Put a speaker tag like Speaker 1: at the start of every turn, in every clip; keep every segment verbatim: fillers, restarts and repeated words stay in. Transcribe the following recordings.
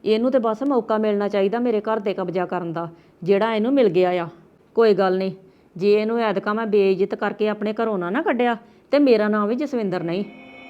Speaker 1: ਇਹਨੂੰ ਤੇ ਬਸ ਮੌਕਾ ਮਿਲਣਾ ਚਾਹੀਦਾ ਮੇਰੇ ਘਰ ਤੇ ਕਬਜ਼ਾ ਕਰਨ ਦਾ, ਜਿਹੜਾ ਇਹਨੂੰ ਮਿਲ ਗਿਆ ਆ। ਕੋਈ ਗੱਲ ਨਹੀਂ, ਜੇ ਇਹਨੂੰ ਐਤਕਾਂ ਮੈਂ ਬੇਇੱਜ਼ਤ ਕਰਕੇ ਆਪਣੇ ਘਰੋਂ ਨਾ ਨਾ ਕੱਢਿਆ ਤੇ ਮੇਰਾ ਨਾਮ ਵੀ ਜਸਵਿੰਦਰ ਨਹੀਂ।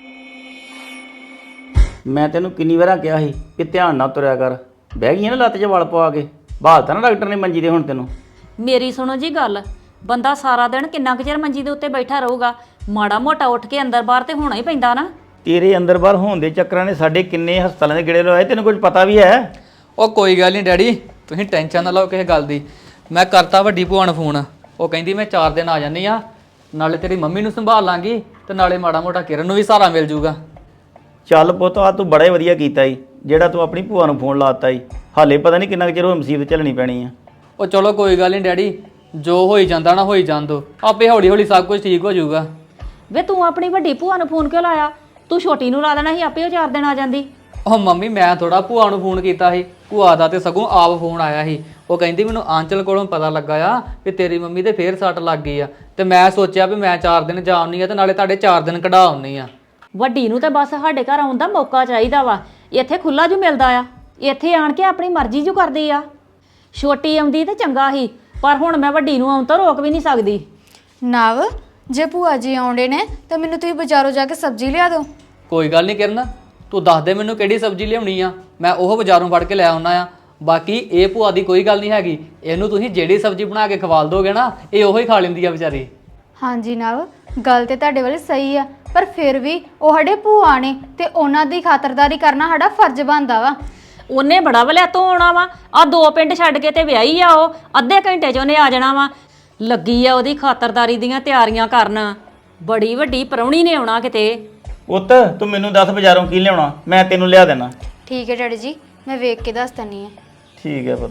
Speaker 2: ਮੈਂ ਤੈਨੂੰ ਕਿੰਨੀ ਵਾਰਾਂ ਕਿਹਾ ਸੀ ਕਿ ਧਿਆਨ ਨਾਲ ਤੁਰਿਆ ਕਰ, ਬਹਿ ਗਈ ਨਾ ਲੱਤ 'ਚ ਵਲ ਪਵਾ ਕੇ, ਬਹਾਲਤਾ ਨਾ ਡਾਕਟਰ ਨੇ ਮੰਜੀ ਦੇ ਹੁਣ ਤੈਨੂੰ।
Speaker 1: ਮੇਰੀ ਸੁਣੋ ਜੀ ਗੱਲ, ਬੰਦਾ ਸਾਰਾ ਦਿਨ ਕਿੰਨਾ ਕੁ ਚਿਰ ਮੰਜੀ ਦੇ ਉੱਤੇ ਬੈਠਾ ਰਹੂਗਾ, ਮਾੜਾ ਮੋਟਾ ਉੱਠ ਕੇ ਅੰਦਰ ਬਾਹਰ ਤੇ ਹੋਣਾ ਹੀ ਪੈਂਦਾ ਨਾ।
Speaker 2: ਤੇਰੇ ਅੰਦਰ ਬਾਹਰ ਹੋਣ ਦੇ ਚੱਕਰਾਂ ਨੇ ਸਾਡੇ ਕਿੰਨੇ ਹਸਪਤਾਲਾਂ ਦੇ ਗੇੜੇ ਲਵਾਏ, ਤੈਨੂੰ ਕੁਝ ਪਤਾ ਵੀ ਹੈ?
Speaker 3: ਉਹ ਕੋਈ ਗੱਲ ਨਹੀਂ ਡੈਡੀ, ਤੁਸੀਂ ਟੈਨਸ਼ਨ ਨਾ ਲਓ ਕਿਸੇ ਗੱਲ ਦੀ। ਮੈਂ ਕਰਤਾ ਵੱਡੀ ਭੂਆ ਨੂੰ ਫੋਨ, ਉਹ ਕਹਿੰਦੀ ਮੈਂ ਚਾਰ ਦਿਨ ਆ ਜਾਂਦੀ ਆ, ਨਾਲੇ ਤੇਰੀ ਮੰਮੀ ਨੂੰ ਸੰਭਾਲ ਲਾਂਗੀ ਤੇ ਨਾਲੇ ਮਾੜਾ ਮੋਟਾ ਕਿਰਨ ਨੂੰ ਵੀ ਸਹਾਰਾ ਮਿਲ ਜੂਗਾ।
Speaker 2: ਚੱਲ ਪੁੱਤ, ਆ ਤੂੰ ਬੜਾ ਹੀ ਵਧੀਆ ਕੀਤਾ ਈ ਜਿਹੜਾ ਤੂੰ ਆਪਣੀ ਭੂਆ ਨੂੰ ਫੋਨ ਲਾਤਾ ਈ। ਹਾਲੇ ਪਤਾ ਨਹੀਂ ਕਿੰਨਾ ਕੁ ਚਿਰ ਉਹ ਮੁਸੀਬਤ ਝੱਲਣੀ ਪੈਣੀ ਆ।
Speaker 3: ਉਹ ਚਲੋ ਕੋਈ ਗੱਲ ਨਹੀਂ ਡੈਡੀ, ਜੋ ਹੋਈ ਜਾਂਦਾ ਨਾ ਹੋਈ ਜਾਣ ਦੋ, ਆਪੇ ਹੌਲੀ ਹੌਲੀ ਸਭ ਕੁਝ ਠੀਕ ਹੋ ਜਾਊਗਾ।
Speaker 1: ਵੇ ਤੂੰ ਆਪਣੀ ਵੱਡੀ ਭੂਆ ਨੂੰ ਫੋਨ ਕਿਉਂ ਲਾਇਆ? ਤੂੰ ਛੋਟੀ ਨੂੰ ਲਾ ਦੇਣਾ ਸੀ, ਆਪੇ ਉਹ ਚਾਰ ਦਿਨ ਆ ਜਾਂਦੀ।
Speaker 3: ਉਹ ਮੰਮੀ ਮੈਂ ਥੋੜਾ ਭੂਆ ਨੂੰ ਫੋਨ ਕੀਤਾ ਸੀ, ਭੂਆ ਦਾ ਤੇ ਸਗੋਂ ਆਪ ਫੋਨ ਆਇਆ ਸੀ। ਉਹ ਕਹਿੰਦੀ ਮੈਨੂੰ ਆਂਚਲ ਕੋਲੋਂ ਪਤਾ ਲੱਗਾ ਆ ਵੀ ਤੇਰੀ ਮੰਮੀ ਦੇ ਫੇਰ ਸੱਟ ਲੱਗ ਗਈ ਆ, ਤੇ ਮੈਂ ਸੋਚਿਆ ਵੀ ਮੈਂ ਚਾਰ ਦਿਨ ਜਾ ਆਉਣੀ ਆ ਤੇ ਨਾਲੇ ਤੁਹਾਡੇ ਚਾਰ ਦਿਨ ਕਢਾ ਆਉਣੀ ਆ।
Speaker 1: ਵੱਡੀ ਨੂੰ ਤਾਂ ਬਸ ਸਾਡੇ ਘਰ ਆਉਣ ਦਾ ਮੌਕਾ ਚਾਹੀਦਾ ਵਾ, ਇੱਥੇ ਖੁੱਲਾ ਜੂ ਮਿਲਦਾ ਆ, ਇੱਥੇ ਆਣ ਕੇ ਆਪਣੀ ਮਰਜ਼ੀ ਜੂ ਕਰਦੀ ਆ। ਛੋਟੀ ਆਉਂਦੀ ਤੇ ਚੰਗਾ ਸੀ, ਪਰ ਹੁਣ ਮੈਂ ਵੱਡੀ ਨੂੰ ਆਉਣ ਤੋਂ ਰੋਕ ਵੀ ਨਹੀਂ ਸਕਦੀ।
Speaker 4: ਨਵ, ਜੇ ਭੂਆ ਜੀ ਆਉਂਦੇ ਨੇ ਤਾਂ ਮੈਨੂੰ ਤੁਸੀਂ ਬਾਜ਼ਾਰੋਂ ਜਾ ਕੇ ਸਬਜ਼ੀ ਲਿਆ ਦਿਓ।
Speaker 3: ਕੋਈ ਗੱਲ ਨਹੀਂ ਕਿਰਨ, ਤੂੰ ਦੱਸ ਦੇ ਮੈਨੂੰ ਕਿਹੜੀ ਸਬਜ਼ੀ ਲਿਆਉਣੀ ਆ, ਮੈਂ ਉਹ ਬਾਜ਼ਾਰੋਂ ਫੜ ਕੇ ਲੈ ਆਉਣਾ ਆ। ਬਾਕੀ ਇਹ ਭੂਆ ਦੀ ਕੋਈ ਗੱਲ ਨਹੀਂ ਹੈਗੀ, ਇਹਨੂੰ ਤੁਸੀਂ ਜਿਹੜੀ ਸਬਜ਼ੀ ਬਣਾ ਕੇ ਖਵਾਲ ਦੋਗੇ ਨਾ, ਇਹ ਉਹੀ ਖਾ ਲੈਂਦੀ ਆ ਵਿਚਾਰੀ।
Speaker 4: ਹਾਂਜੀ ਨਵ, ਗੱਲ ਤੇ ਤੁਹਾਡੇ ਵਾਲੀ ਸਹੀ ਆ, ਪਰ ਫਿਰ ਵੀ ਉਹ ਸਾਡੇ ਭੂਆ ਨੇ ਤੇ ਉਹਨਾਂ ਦੀ ਖਾਤਰਦਾਰੀ ਕਰਨਾ ਸਾਡਾ ਫਰਜ਼ ਬਣਦਾ ਵਾ।
Speaker 1: ਉਹਨੇ ਬੜਾ ਵਲਿਆ ਤੋਂ ਆਉਣਾ ਵਾ, ਆ ਦੋ ਪਿੰਡ ਛੱਡ ਕੇ ਤੇ ਵਿਆਹੀ ਆ, ਉਹ ਅੱਧੇ ਘੰਟੇ 'ਚ ਉਹਨੇ ਆ ਜਾਣਾ ਵਾ। ਲੱਗੀ ਆ ਉਹਦੀ ਖਾਤਰਦਾਰੀ ਦੀਆਂ ਤਿਆਰੀਆਂ ਕਰਨ, ਬੜੀ ਵੱਡੀ ਪ੍ਰਾਹੁਣੀ ਨੇ ਆਉਣਾ ਕਿਤੇ।
Speaker 2: ਪੁੱਤ ਤੂੰ ਮੈਨੂੰ ਦੱਸ ਬਾਜ਼ਾਰੋਂ ਕੀ ਲਿਆਉਣਾ, ਮੈਂ ਤੈਨੂੰ ਲਿਆ ਦੇਣਾ।
Speaker 4: ਠੀਕ ਹੈ ਡੈਡੀ ਜੀ, ਮੈਂ ਵੇਖ ਕੇ ਦੱਸ ਦਿੰਦੀ ਹਾਂ।
Speaker 2: ਠੀਕ ਹੈ ਪੁੱਤ।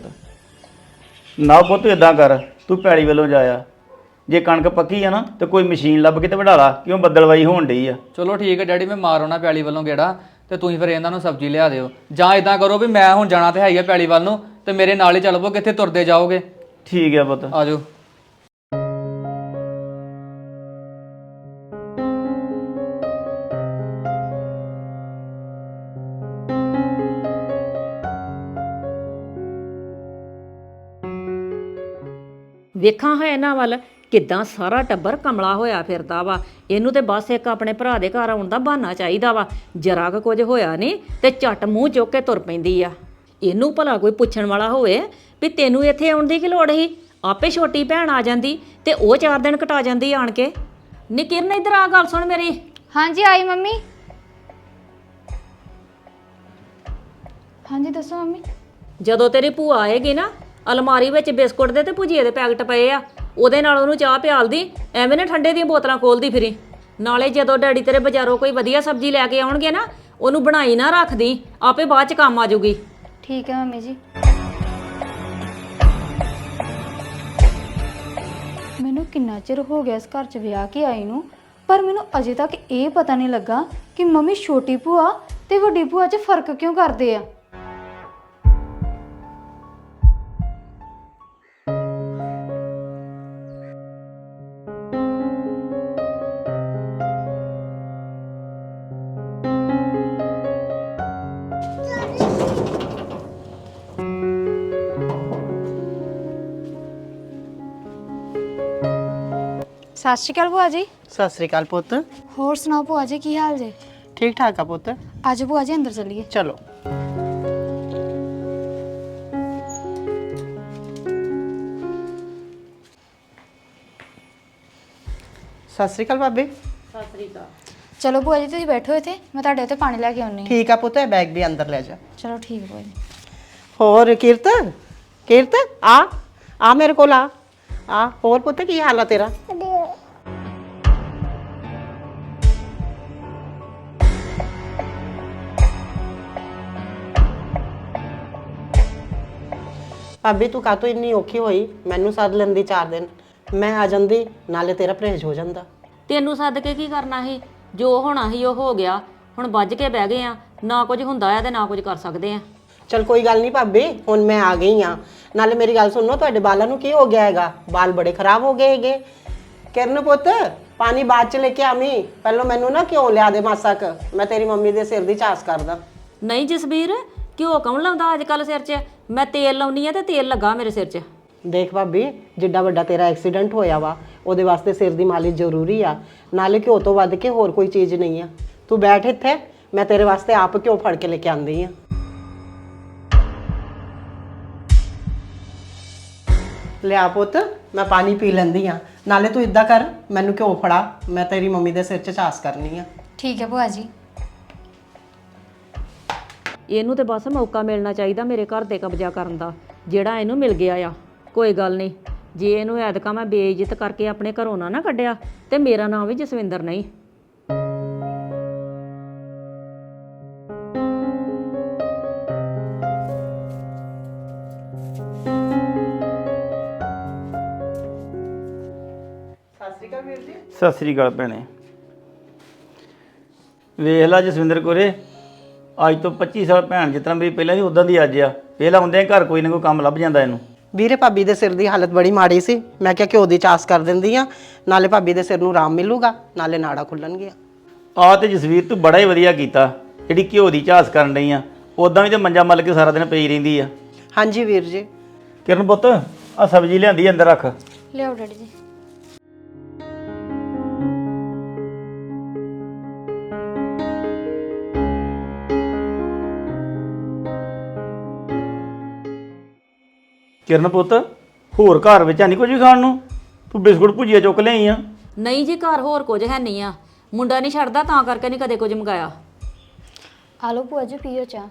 Speaker 2: ਨਾ ਪੁੱਤ ਇਦਾਂ ਕਰ, ਤੂੰ ਪੈਲੀ ਵੱਲੋਂ ਜਾਇਆ, ਜੇ ਕਣਕ ਪੱਕੀ ਆ ਨਾ ਤੇ ਕੋਈ ਮਸ਼ੀਨ ਲੱਭ ਕੇ ਤੇ ਵਢਾ ਲਾ, ਕਿਉਂ ਬੱਦਲਵਾਈ ਹੋਣ ਡਈ ਆ।
Speaker 3: ਚਲੋ ਠੀਕ ਹੈ ਡੈਡੀ, ਮੈਂ ਮਾਰ ਆਉਣਾ ਪੈਲੀ ਵੱਲੋਂ ਗੇੜਾ, ਤੇ ਤੁਸੀਂ ਫਿਰ ਇਹਨਾਂ ਨੂੰ ਸਬਜ਼ੀ ਲਿਆ ਦਿਓ। ਜਾਂ ਇਦਾਂ ਕਰੋ ਵੀ ਮੈਂ ਹੁਣ ਜਾਣਾ ਤੇ ਹੈ ਹੀ ਆ ਪੈਲੀ ਵੱਲ ਨੂੰ, ਤੇ ਮੇਰੇ ਨਾਲ ਹੀ ਚੱਲ ਪਓ, ਕਿੱਥੇ ਤੁਰਦੇ ਜਾਓਗੇ।
Speaker 2: ਠੀਕ ਹੈ ਪੁੱਤ।
Speaker 3: ਆ ਜਾਓ।
Speaker 1: ਵੇਖਾਂ ਹੈ ਇਹਨਾਂ ਵੱਲ ਕਿੱਦਾਂ ਸਾਰਾ ਟੱਬਰ ਕਮਲਾ ਹੋਇਆ ਫਿਰਦਾ ਵਾ। ਇਹਨੂੰ ਤੇ ਬਸ ਇੱਕ ਆਪਣੇ ਭਰਾ ਦੇ ਘਰ ਆਉਣ ਦਾ ਬਹਾਨਾ ਚਾਹੀਦਾ ਵਾ, ਜਰਾ ਕੁ ਕੁਝ ਹੋਇਆ ਨਹੀਂ ਤੇ ਝੱਟ ਮੂੰਹ ਚੁੱਕ ਕੇ ਤੁਰ ਪੈਂਦੀ ਆ। ਇਹਨੂੰ ਭਲਾ ਕੋਈ ਪੁੱਛਣ ਵਾਲਾ ਹੋਵੇ ਵੀ ਤੈਨੂੰ ਇੱਥੇ ਆਉਣ ਦੀ ਕੀ ਲੋੜ ਸੀ, ਆਪੇ ਛੋਟੀ ਭੈਣ ਆ ਜਾਂਦੀ ਤੇ ਉਹ ਚਾਰ ਦਿਨ ਕਟਾ ਜਾਂਦੀ ਆਣ ਕੇ। ਨੀ ਕਿਰਨ ਇੱਧਰ ਆ, ਗੱਲ ਸੁਣ ਮੇਰੀ।
Speaker 4: ਹਾਂਜੀ ਆਈ ਮੰਮੀ। ਹਾਂਜੀ ਦੱਸੋ ਮੰਮੀ।
Speaker 1: ਜਦੋਂ ਤੇਰੀ ਭੂਆ ਆਏਗੀ ਨਾ, ਅਲਮਾਰੀ ਵਿੱਚ ਬਿਸਕੁਟ ਦੇ ਤੇ ਭੁਜੀਏ ਦੇ ਪੈਕਟ ਪਏ ਆ, ਉਹਦੇ ਨਾਲ ਉਹਨੂੰ ਚਾਹ ਪਿਆਲਦੀ, ਐਵੇਂ ਨਾ ਠੰਡੇ ਦੀਆਂ ਬੋਤਲਾਂ ਖੋਲਦੀ ਫਿਰੀ। ਨਾਲੇ ਜਦੋਂ ਡੈਡੀ ਤੇਰੇ ਬਾਜ਼ਾਰੋਂ ਕੋਈ ਵਧੀਆ ਸਬਜ਼ੀ ਲੈ ਕੇ ਆਉਣਗੇ ਨਾ, ਉਹਨੂੰ ਬਣਾਈ ਨਾ ਰੱਖਦੀ, ਆਪੇ ਬਾਅਦ ਚ ਕੰਮ ਆ ਜਾਊਗੀ।
Speaker 4: ਠੀਕ ਹੈ ਮੰਮੀ ਜੀ। ਮੈਨੂੰ ਕਿੰਨਾ ਚਿਰ ਹੋ ਗਿਆ ਇਸ ਘਰ 'ਚ ਵਿਆਹ ਕੇ ਆਈ ਨੂੰ, ਪਰ ਮੈਨੂੰ ਅਜੇ ਤੱਕ ਇਹ ਪਤਾ ਨਹੀਂ ਲੱਗਾ ਕਿ ਮੰਮੀ ਛੋਟੀ ਭੂਆ ਤੇ ਵੱਡੀ ਭੂਆ 'ਚ ਫਰਕ ਕਿਉਂ ਕਰਦੇ ਆ। ਸਤਿ ਸ਼੍ਰੀ ਅਕਾਲ ਭੂਆ ਜੀ।
Speaker 5: ਸਤਿ ਸ੍ਰੀ ਅਕਾਲ ਪੁੱਤ।
Speaker 4: ਹੋਰ ਸੁਣਾਓ ਭੂਆ ਜੀ, ਕੀ ਹਾਲ ਜੇ?
Speaker 5: ਠੀਕ ਠਾਕ ਆ ਪੁੱਤ।
Speaker 4: ਅੱਜ ਭੂਆ ਜੀ ਅੰਦਰ ਚੱਲੀਏ।
Speaker 5: ਚਲੋ। ਸਤਿ ਸ੍ਰੀ ਅਕਾਲ ਭਾਬੀ।
Speaker 1: ਸਤਿ ਸ੍ਰੀ ਅਕਾਲ।
Speaker 4: ਚਲੋ ਭੂਆ ਜੀ ਤੁਸੀਂ ਬੈਠੋ ਇੱਥੇ, ਮੈਂ ਤੁਹਾਡੇ ਉੱਤੇ ਪਾਣੀ ਲੈ ਕੇ ਆਉਣੀ ਹਾਂ।
Speaker 5: ਠੀਕ ਆ ਪੁੱਤ, ਇਹ ਬੈਗ ਵੀ ਅੰਦਰ ਲੈ ਜਾ।
Speaker 4: ਚਲੋ ਠੀਕ ਭੂਆ ਜੀ।
Speaker 5: ਹੋਰ ਕੀਰਤ, ਕੀਰਤ ਆ ਆ ਮੇਰੇ ਕੋਲ ਆ ਆ ਹੋਰ ਪੁੱਤ ਕੀ ਹਾਲ ਆ ਤੇਰਾ? ਭਾਬੀ ਤੂੰ ਕਾਹਤੋਂ ਇੰਨੀ ਔਖੀ ਹੋਈ? ਮੈਨੂੰ ਸੱਦ ਲੈਂਦੀ ਚਾਰ ਦਿਨ, ਮੈਂ ਆ ਜਾਂਦੀ, ਨਾਲੇ ਤੇਰਾ ਪਰਹੇਜ਼ ਹੋ ਜਾਂਦਾ।
Speaker 1: ਤੈਨੂੰ ਸੱਦ ਕੇ ਕੀ ਕਰਨਾ ਸੀ? ਜੋ ਹੋਣਾ ਸੀ ਉਹ ਹੋ ਗਿਆ, ਹੁਣ ਵੱਜ ਕੇ ਬਹਿ ਗਏ ਆ, ਨਾ ਕੁਝ ਹੁੰਦਾ ਆ ਤੇ ਨਾ ਕੁਝ ਕਰ ਸਕਦੇ ਆ।
Speaker 5: ਚਲ ਕੋਈ ਗੱਲ ਨਹੀਂ ਭਾਬੀ, ਹੁਣ ਮੈਂ ਆ ਗਈ ਆ। ਨਾਲੇ ਮੇਰੀ ਗੱਲ ਸੁਣੋ, ਤੁਹਾਡੇ ਬਾਲਾਂ ਨੂੰ ਕੀ ਹੋ ਗਿਆ ਹੈਗਾ? ਬਾਲ ਬੜੇ ਖਰਾਬ ਹੋ ਗਏ ਹੈਗੇ। ਕਿਰਨ ਪੁੱਤ ਪਾਣੀ ਬਾਅਦ ਚ ਲੈ ਕੇ ਆਵੀਂ, ਪਹਿਲਾਂ ਮੈਨੂੰ ਨਾ ਕਿਉਂ ਲਿਆ ਦੇ ਮਾਸਾ ਕ, ਮੈਂ ਤੇਰੀ ਮੰਮੀ ਦੇ ਸਿਰ ਦੀ ਚਾਸ ਕਰਦਾ।
Speaker 1: ਨਹੀਂ ਜਸਬੀਰ, ਘਿਓ ਕੌਣ ਲਾਉਂਦਾ ਅੱਜ ਕੱਲ ਸਿਰ 'ਚ? ਮੈਂ ਤੇਲ ਲਾਉਣੀ ਆ ਤੇ ਤੇਲ ਲੱਗਾ ਮੇਰੇ ਸਿਰ 'ਚ।
Speaker 5: ਦੇਖ ਭਾਬੀ, ਜਿੱਡਾ ਵੱਡਾ ਤੇਰਾ ਐਕਸੀਡੈਂਟ ਹੋਇਆ ਵਾ ਉਹਦੇ ਵਾਸਤੇ ਸਿਰ ਦੀ ਮਾਲਿਸ਼ ਜ਼ਰੂਰੀ ਆ। ਨਾਲੇ ਘਿਓ ਤੋਂ ਵੱਧ ਕੇ ਹੋਰ ਕੋਈ ਚੀਜ਼ ਨਹੀਂ ਆ। ਤੂੰ ਬੈਠ ਇੱਥੇ, ਮੈਂ ਤੇਰੇ ਵਾਸਤੇ ਆਪ ਘਿਓ ਫੜ ਕੇ ਲੈ ਕੇ ਆਂਦੀ ਆ। ਲਿਆ ਪੁੱਤ, ਮੈਂ ਪਾਣੀ ਪੀ ਲੈਂਦੀ ਆ। ਨਾਲੇ ਤੂੰ ਇਦਾਂ ਕਰ, ਮੈਨੂੰ ਘਿਓ ਫੜਾ, ਮੈਂ ਤੇਰੀ ਮੰਮੀ ਦੇ ਸਿਰ 'ਚ ਚਾਸ ਕਰਨੀ ਆ।
Speaker 4: ਠੀਕ ਹੈ ਭੂਆ ਜੀ।
Speaker 1: ਇਹਨੂੰ ਤੇ ਬਸ ਮੌਕਾ ਮਿਲਣਾ ਚਾਹੀਦਾ ਮੇਰੇ ਘਰ ਤੇ ਕਬਜ਼ਾ ਕਰਨ ਦਾ, ਜਿਹੜਾ ਇਹਨੂੰ ਮਿਲ ਗਿਆ ਆ। ਕੋਈ ਗੱਲ ਨਹੀਂ, ਜੇ ਇਹਨੂੰ ਐਤਕਾਂ ਮੈਂ ਬੇਇੱਜ਼ਤ ਕਰਕੇ ਆਪਣੇ ਘਰੋਂ ਨਾ ਨਾ ਕੱਢਿਆ ਤੇ ਮੇਰਾ ਨਾਮ ਵੀ ਜਸਵਿੰਦਰ ਨਹੀਂ।
Speaker 2: ਸਤਿ ਸ੍ਰੀ ਅਕਾਲ ਭੈਣੇ। ਵੇਖ ਲਾ ਜਸਵਿੰਦਰ ਕੋਰੇ, ਅੱਜ ਤੋਂ ਪੱਚੀ ਸਾਲ ਭੈਣ ਜਿਸ ਤਰ੍ਹਾਂ ਮੇਰੀ ਪਹਿਲਾਂ ਦੀ ਉਦਾਂ ਦੀ ਅੱਜ ਆ। ਵੇਖ ਲਾ ਹੁੰਦੇ ਘਰ ਕੋਈ ਨਾ ਕੋਈ ਕੰਮ ਲੱਭ ਜਾਂਦਾ ਇਹਨੂੰ।
Speaker 5: ਵੀਰੇ ਭਾਬੀ ਦੇ ਸਿਰ ਦੀ ਹਾਲਤ ਬੜੀ ਮਾੜੀ ਸੀ, ਮੈਂ ਕਿਹਾ ਘਿਓ ਦੀ ਚਾਸ ਕਰ ਦਿੰਦੀ ਆ, ਨਾਲੇ ਭਾਬੀ ਦੇ ਸਿਰ ਨੂੰ ਆਰਾਮ ਮਿਲੂਗਾ, ਨਾਲੇ ਨਾੜਾ ਖੁੱਲਣਗੇ।
Speaker 2: ਆ ਤੇ ਜਸਵੀਰ ਤੂੰ ਬੜਾ ਹੀ ਵਧੀਆ ਕੀਤਾ, ਜਿਹੜੀ ਘਿਓ ਦੀ ਝਾਸ ਕਰਨ ਡਈ ਆ। ਉਦਾਂ ਵੀ ਤੇ ਮੰਜਾ ਮੱਲ ਕੇ ਸਾਰਾ ਦਿਨ ਪਈ ਰਹਿੰਦੀ ਆ।
Speaker 5: ਹਾਂਜੀ ਵੀਰ ਜੀ।
Speaker 2: ਕਿਰਨ ਪੁੱਤ, ਆ ਸਬਜ਼ੀ ਲਿਆਂਦੀ ਅੰਦਰ ਰੱਖ।
Speaker 4: ਲਿਆਓ ਡੈਡੀ ਜੀ।
Speaker 2: ਕਿਰਨ ਪੁੱਤ, ਹੋਰ ਘਰ ਵਿੱਚ ਨਹੀਂ ਕੁਝ ਵੀ ਖਾਣ ਨੂੰ? ਤੂੰ ਬਿਸਕੁਟ ਭੁਜੀਆ ਚੁੱਕ ਲਿਆਈ ਆ।
Speaker 1: ਨਹੀਂ ਜੀ, ਘਰ ਹੋਰ ਕੁਝ ਹੈ ਨਹੀਂ ਆ। ਮੁੰਡਾ ਨਹੀਂ ਛੱਡਦਾ, ਤਾਂ ਕਰਕੇ ਨਹੀਂ ਕਦੇ ਕੁਝ ਮੰਗਾਇਆ।
Speaker 4: ਆ ਲਓ ਭੂਆ ਜੀ, ਪੀਓ ਚਾਹ।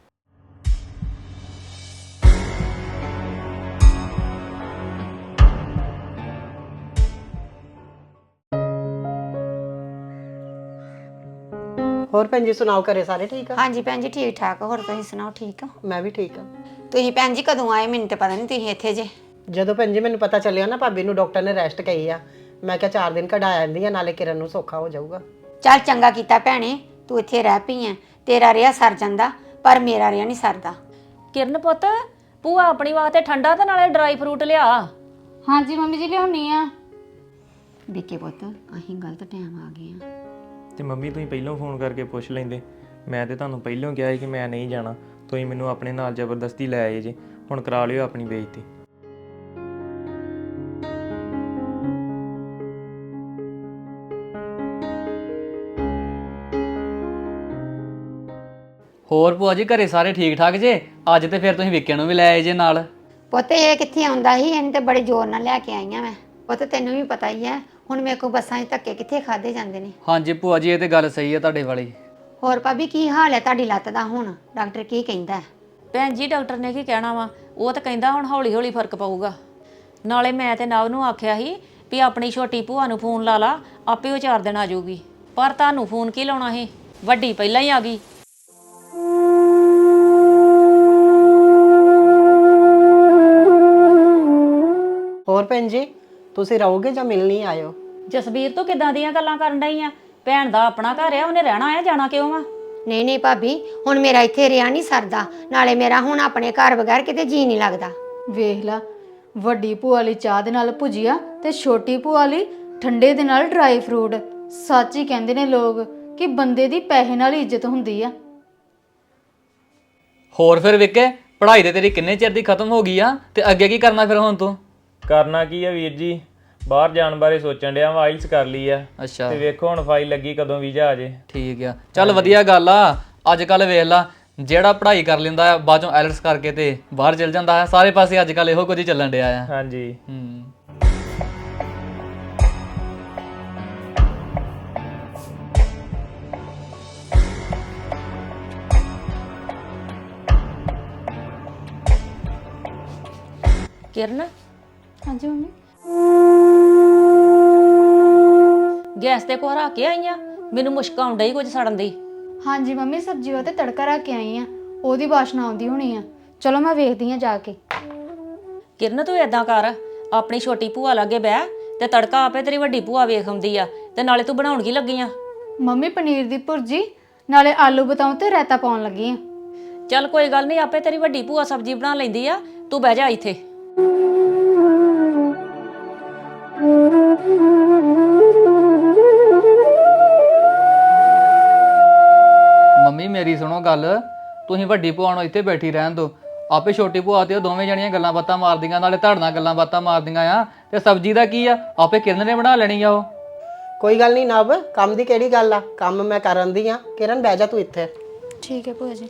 Speaker 5: ਹੋਰ ਭੈਣ ਜੀ ਸੁਣਾਓ, ਘਰੇ ਸਾਰੇ ਠੀਕ ਆ?
Speaker 6: ਹਾਂਜੀ ਭੈਣ ਜੀ ਠੀਕ ਠਾਕ। ਹੋਰ ਤੁਸੀਂ ਸੁਣਾਓ, ਠੀਕ ਹੋ?
Speaker 5: ਮੈਂ ਵੀ ਠੀਕ ਆ।
Speaker 6: ਤੁਸੀਂ ਭੈਣ ਜੀ ਕਦੋਂ ਆਏ? ਮੈਨੂੰ ਤਾਂ ਪਤਾ ਨਹੀਂ ਤੁਸੀਂ ਇੱਥੇ ਜੇ।
Speaker 5: ਜਦੋਂ ਭੈਣ ਜੀ ਮੈਨੂੰ ਪਤਾ ਚੱਲਿਆ ਨਾ ਭਾਬੀ ਨੂੰ ਡਾਕਟਰ ਨੇ ਰੈਸਟ ਕਹੀ ਆ, ਮੈਂ ਕਿਹਾ ਚਾਰ ਦਿਨ ਕਢਾ ਆਂਦੀ ਆ, ਨਾਲੇ ਕਿਰਨ ਨੂੰ ਸੌਖਾ ਹੋ ਜਾਊਗਾ।
Speaker 6: ਚੱਲ ਚੰਗਾ ਕੀਤਾ ਭੈਣੇ, ਤੂੰ ਇੱਥੇ ਰਹਿ ਪਈ ਐ। ਤੇਰਾ ਰਿਆ ਸਰ ਜਾਂਦਾ, ਪਰ ਮੇਰਾ ਰਿਆ ਨਹੀਂ ਸਰਦਾ।
Speaker 1: ਕਿਰਨ ਪੁੱਤ, ਭੂਆ ਆਪਣੀ ਵਾਸਤੇ ਠੰਡਾ ਤੇ ਨਾਲੇ ਡਰਾਈ ਫਰੂਟ ਲਿਆ।
Speaker 4: ਹਾਂਜੀ ਮੰਮੀ ਜੀ, ਲਿਆਉਣੀ ਆ।
Speaker 6: ਵਿੱਕੇ ਪੁੱਤ, ਅਸੀਂ ਗਲਤ ਟਾਈਮ ਆ ਗਏ ਆ।
Speaker 7: ਤੇ ਮੰਮੀ ਤੁਸੀਂ ਪਹਿਲਾਂ ਫੋਨ ਕਰਕੇ ਪੁੱਛ ਲੈਂਦੇ। ਮੈਂ ਤੇ ਤੁਹਾਨੂੰ ਪਹਿਲਾਂ ਕਿਹਾ ਸੀ ਕਿ ਮੈਂ ਨਹੀਂ ਜਾਣਾ, ਤੁਸੀਂ ਮੈਨੂੰ ਆਪਣੇ ਨਾਲ ਜ਼ਬਰਦਸਤੀ ਲੈ ਆਏ ਜੇ। ਹੁਣ ਕਰਾ ਲਿਓ ਆਪਣੀ ਬੇਇੱਜ਼ਤੀ।
Speaker 3: ਹੋਰ ਭੂਆ ਜੀ, ਘਰੇ ਸਾਰੇ ਠੀਕ ਠਾਕ ਜੇ? ਅੱਜ ਤੇ ਫਿਰ ਤੁਸੀਂ ਵਿੱਕੇ ਨੂੰ ਵੀ ਲੈ ਆਏ ਜੇ ਨਾਲ।
Speaker 6: ਪੁੱਤ ਇਹ ਕਿੱਥੇ ਆਉਂਦਾ ਸੀ, ਇਹਨੂੰ ਤੇ ਬੜੇ ਜ਼ੋਰ ਨਾਲ ਲੈ ਕੇ ਆਈਆਂ ਮੈਂ। ਪੁੱਤ ਤੈਨੂੰ ਵੀ ਪਤਾ ਹੀ ਹੈ, ਹੁਣ ਮੇਰੇ ਕੋਲ ਬੱਸਾਂ 'ਚ ਧੱਕੇ ਕਿੱਥੇ ਖਾਦੇ ਜਾਂਦੇ ਨੇ।
Speaker 3: ਹਾਂਜੀ ਭੂਆ ਜੀ, ਇਹ ਤੇ ਗੱਲ ਸਹੀ ਹੈ ਤੁਹਾਡੇ ਵਾਲੀ।
Speaker 6: ਹੋਰ ਭਾਬੀ, ਕੀ ਹਾਲ ਹੈ ਤੁਹਾਡੀ ਲੱਤ ਦਾ? ਹੁਣ ਡਾਕਟਰ ਕੀ ਕਹਿੰਦਾ ਹੈ?
Speaker 1: ਭੈਣ ਜੀ, ਡਾਕਟਰ ਨੇ ਕੀ ਕਹਿਣਾ ਵਾ? ਉਹ ਤਾਂ ਕਹਿੰਦਾ ਹੁਣ ਹੌਲੀ ਹੌਲੀ ਫਰਕ ਪਊਗਾ। ਨਾਲੇ ਮੈਂ ਤੇ ਨਵ ਨੂੰ ਆਖਿਆ ਸੀ ਵੀ ਆਪਣੀ ਛੋਟੀ ਭੂਆ ਨੂੰ ਫੋਨ ਲਾ ਲਾ, ਆਪੇ ਉਹ ਚਾਰ ਦਿਨ ਆ ਜਾਊਗੀ। ਪਰ ਤੁਹਾਨੂੰ ਫੋਨ ਕੀ ਲਾਉਣਾ ਸੀ? ਵੱਡੀ ਪਹਿਲਾਂ ਹੀ ਆ ਗਈ।
Speaker 5: ਹੋਰ ਭੈਣ ਜੀ, ਤੁਸੀਂ ਰਹੋਗੇ ਜਾਂ ਮਿਲਣੀ ਆਇਓ?
Speaker 1: ਜਸਬੀਰ ਤੋਂ ਕਿੱਦਾਂ ਦੀਆਂ ਗੱਲਾਂ ਕਰਨ ਡਈ ਆ? ਭੈਣ ਦਾ ਆਪਣਾ ਘਰ ਆ, ਉਹਨੇ ਰਹਿਣਾ ਆ, ਜਾਣਾ ਕਿਉਂ ਆ?
Speaker 6: ਨਹੀਂ ਨਹੀਂ ਭਾਬੀ, ਹੁਣ ਮੇਰਾ ਇੱਥੇ ਰਿਆ ਨਹੀਂ ਸਰਦਾ, ਨਾਲੇ ਮੇਰਾ ਹੁਣ ਆਪਣੇ ਘਰ ਬਗੈਰ ਕਿਤੇ ਜੀ ਨਹੀਂ ਲੱਗਦਾ।
Speaker 4: ਵੇਖ ਲਾ, ਵੱਡੀ ਭੂਆ ਲਈ ਚਾਹ ਦੇ ਨਾਲ ਭੁਜੀਆ ਤੇ ਛੋਟੀ ਭੂਆ ਲਈ ਠੰਡੇ ਦੇ ਨਾਲ ਡਰਾਈ ਫਰੂਟ। ਸੱਚ ਹੀ ਕਹਿੰਦੇ ਨੇ ਲੋਕ ਕਿ ਬੰਦੇ ਦੀ ਪੈਸੇ ਨਾਲ ਹੀ ਇੱਜ਼ਤ ਹੁੰਦੀ ਆ।
Speaker 3: ਹੋਰ ਫਿਰ ਵਿੱਕੇ, ਪੜ੍ਹਾਈ ਤੇ ਤੇਰੀ ਕਿੰਨੇ ਚਿਰ ਦੀ ਖਤਮ ਹੋ ਗਈ ਆ, ਤੇ ਅੱਗੇ ਕੀ ਕਰਨਾ ਫਿਰ ਹੁਣ ਤੂੰ?
Speaker 7: ਕਰਨਾ ਕੀ ਆ ਵੀਰ ਜੀ, ਬਾਹਰ ਜਾਣ ਬਾਰੇ ਸੋਚਣ ਡਿਆ ਵਾ। ਆਈਲਸ ਕਰ ਲਈ ਆ
Speaker 3: ਅੱਛਾ,
Speaker 7: ਤੇ ਵੇਖੋ ਹੁਣ ਫਾਈਲ ਲੱਗੀ ਕਦੋਂ ਵੀਜ਼ਾ ਆ ਜੇ।
Speaker 3: ਠੀਕ ਆ, ਚੱਲ ਵਧੀਆ ਗੱਲ ਆ। ਅੱਜ ਕੱਲ ਵੇਖ ਲਾ, ਜਿਹੜਾ ਪੜ੍ਹਾਈ ਕਰ ਲੈਂਦਾ ਆ ਬਾਅਦ ਚੋਂ ਆਇਲਟਸ ਕਰਕੇ ਤੇ ਬਾਹਰ ਚਲ ਜਾਂਦਾ ਆ। ਸਾਰੇ ਪਾਸੇ ਅੱਜ ਕੱਲ ਇਹੋ ਕੁਝ ਹੀ ਚੱਲਣ ਡਿਆ ਆ।
Speaker 7: ਹਾਂਜੀ।
Speaker 3: ਹੂੰ।
Speaker 1: ਕਿਰਨ,
Speaker 4: ਹਾਂਜੀ ਮੰਮੀ।
Speaker 1: ਗੈਸ ਤੇ ਕੋਹਰਾ ਕੇ ਆਈਆਂ? ਮੈਨੂੰ ਮੁਸ਼ਕ ਆਉਣ ਡਈ ਕੁਝ ਸੜਨ ਦੀ।
Speaker 4: ਹਾਂਜੀ ਮੰਮੀ, ਸਬਜ਼ੀ ਵਾਸਤੇ ਤੜਕਾ ਰੱਖ ਕੇ ਆਈ ਆ, ਉਹਦੀ ਵਾਸ਼ਨਾ ਆਉਂਦੀ ਹੋਣੀ ਆ। ਚਲੋ ਮੈਂ ਵੇਖਦੀ ਆ ਜਾ ਕੇ।
Speaker 1: ਕਿਰਨ, ਤੂੰ ਏਦਾਂ ਕਰ, ਆਪਣੀ ਛੋਟੀ ਭੂਆ ਲਾਗੇ ਬਹਿ ਤੇ ਤੜਕਾ ਆਪੇ ਤੇਰੀ ਵੱਡੀ ਭੂਆ ਵੇਖ ਆਉਂਦੀ ਆ, ਤੇ ਨਾਲੇ ਤੂੰ ਬਣਾਉਣ ਕੀ ਲੱਗੀ ਆ?
Speaker 4: ਮੰਮੀ ਪਨੀਰ ਦੀ ਭੁਰਜੀ ਨਾਲੇ ਆਲੂ ਬਤਾਉ ਤੇ ਰਾਇਤਾ ਪਾਉਣ ਲੱਗੀ ਆ।
Speaker 1: ਚੱਲ ਕੋਈ ਗੱਲ ਨਹੀਂ, ਆਪੇ ਤੇਰੀ ਵੱਡੀ ਭੂਆ ਸਬਜ਼ੀ ਬਣਾ ਲੈਂਦੀ ਆ, ਤੂੰ ਬਹਿ ਜਾ ਇੱਥੇ।
Speaker 3: ਮੰਮੀ ਮੇਰੀ ਸੁਣੋ ਗੱਲ, ਤੁਸੀਂ ਵੱਡੀ ਭੂਆ ਨੂੰ ਇੱਥੇ ਬੈਠੀ ਰਹਿਣ ਦਿਓ। ਆਪੇ ਛੋਟੀ ਭੂਆ ਤੇ ਉਹ ਦੋਵੇਂ ਜਣੀਆਂ ਗੱਲਾਂ ਬਾਤਾਂ ਮਾਰਦੀਆਂ, ਨਾਲੇ ਤੁਹਾਡੇ ਨਾਲ ਗੱਲਾਂ ਬਾਤਾਂ ਮਾਰਦੀਆਂ ਆ। ਤੇ ਸਬਜ਼ੀ ਦਾ ਕੀ ਆ, ਆਪੇ ਕਿਰਨ ਨੇ ਬਣਾ ਲੈਣੀ ਆ ਉਹ।
Speaker 5: ਕੋਈ ਗੱਲ ਨਹੀਂ ਨਵ, ਕੰਮ ਦੀ ਕਿਹੜੀ ਗੱਲ ਆ, ਕੰਮ ਮੈਂ ਕਰਨ ਦੀ ਆ। ਕਿਰਨ ਬਹਿ ਜਾ ਤੂੰ ਇੱਥੇ।
Speaker 4: ਠੀਕ ਹੈ ਭੂਆ ਜੀ।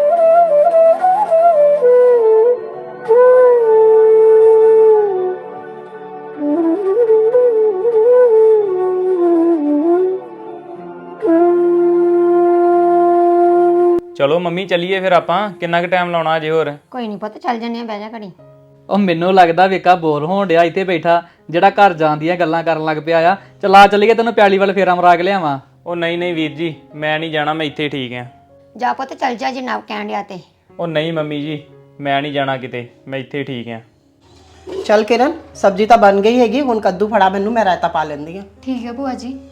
Speaker 7: ਚਲੋ ਮੰਮੀ ਚੱਲੀਏ ਫਿਰ ਆਪਾਂ। ਕਿੰਨਾ ਕੁ ਟਾਈਮ ਲਾਉਣਾ ਅਜੇ ਹੋਰ?
Speaker 6: ਕੋਈ ਨਹੀਂ ਪੁੱਤ, ਚੱਲ ਜੰਨੇ ਆ, ਬਹਿ ਜਾ ਘੜੀ।
Speaker 3: ਉਹ ਮੈਨੂੰ ਲੱਗਦਾ ਵੇਖਾ ਬੋਰ ਹੋਣ ਡਿਆ ਇੱਥੇ ਬੈਠਾ, ਜਿਹੜਾ ਘਰ ਜਾਣ ਦੀਆਂ ਗੱਲਾਂ ਕਰਨ ਲੱਗ ਪਿਆ ਆ। ਚਲਾ ਚੱਲੀਏ, ਤੈਨੂੰ ਪਿਆਲੀ ਵੱਲ ਫੇਰਾ ਮਰਾ ਕੇ ਲਿਆਵਾਂ।
Speaker 7: ਉਹ ਨਹੀਂ ਨਹੀਂ ਵੀਰ ਜੀ, ਮੈਂ ਨਹੀਂ ਜਾਣਾ, ਮੈਂ ਇੱਥੇ ਠੀਕ ਆ।
Speaker 6: ਜਾ ਪੁੱਤ ਚੱਲ ਜਾ, ਜਨਾਬ ਕਹਿਣ ਡਿਆ ਤੇ।
Speaker 7: ਉਹ ਨਹੀਂ ਮੰਮੀ ਜੀ, ਮੈਂ ਨਹੀਂ ਜਾਣਾ ਕਿਤੇ, ਮੈਂ ਇੱਥੇ ਠੀਕ ਆ।
Speaker 5: ਚੱਲ ਕਿਰਨ, ਸਬਜ਼ੀ ਤਾਂ ਬਣ ਗਈ ਹੈਗੀ, ਹੁਣ ਕੱਦੂ ਫੜਾ ਮੈਨੂੰ, ਮੈਂ ਰਾਇਤਾ ਪਾ ਲੈਂਦੀ ਆ।
Speaker 4: ਠੀਕ ਹੈ ਭੂਆ ਜੀ।